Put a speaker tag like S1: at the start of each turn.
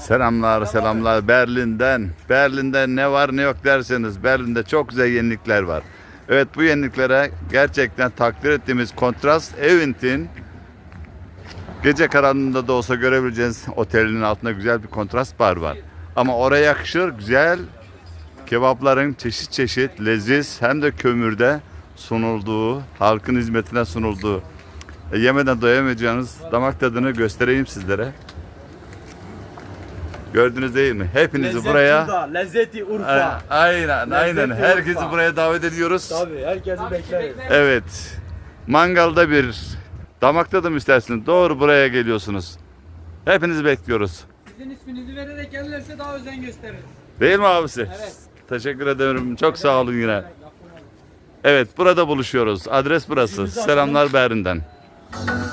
S1: Selamlar, selamlar Berlin'den. Berlin'de ne var ne yok derseniz Berlin'de çok güzel yenilikler var. Evet, bu yeniliklere gerçekten takdir ettiğimiz Kontrast Event'in gece karanlığında da olsa görebileceğiniz otelin altında güzel bir kontrast bar var. Ama oraya yakışır güzel kebapların çeşit çeşit leziz hem de kömürde sunulduğu, halkın hizmetine sunulduğu, yemeden doyamayacağınız damak tadını göstereyim sizlere. Gördünüz değil mi? Hepinizi
S2: Lezzet
S1: buraya
S2: burada, lezzeti Urfa.
S1: aynen
S2: Lezzeti
S1: herkesi
S2: Urfa.
S1: buraya davet ediyoruz.
S2: Tabii herkesi bekleriz.
S1: Evet. Mangalda bir damak tadım istersiniz. Doğru buraya geliyorsunuz. Hepinizi bekliyoruz.
S3: Sizin isminizi vererek gelirlerse daha özen gösteririz.
S1: Değil mi abisi?
S3: Evet.
S1: Teşekkür ederim. Çok sağ olun yine. Evet, burada buluşuyoruz. Adres burası. Selamlar Berlin'den.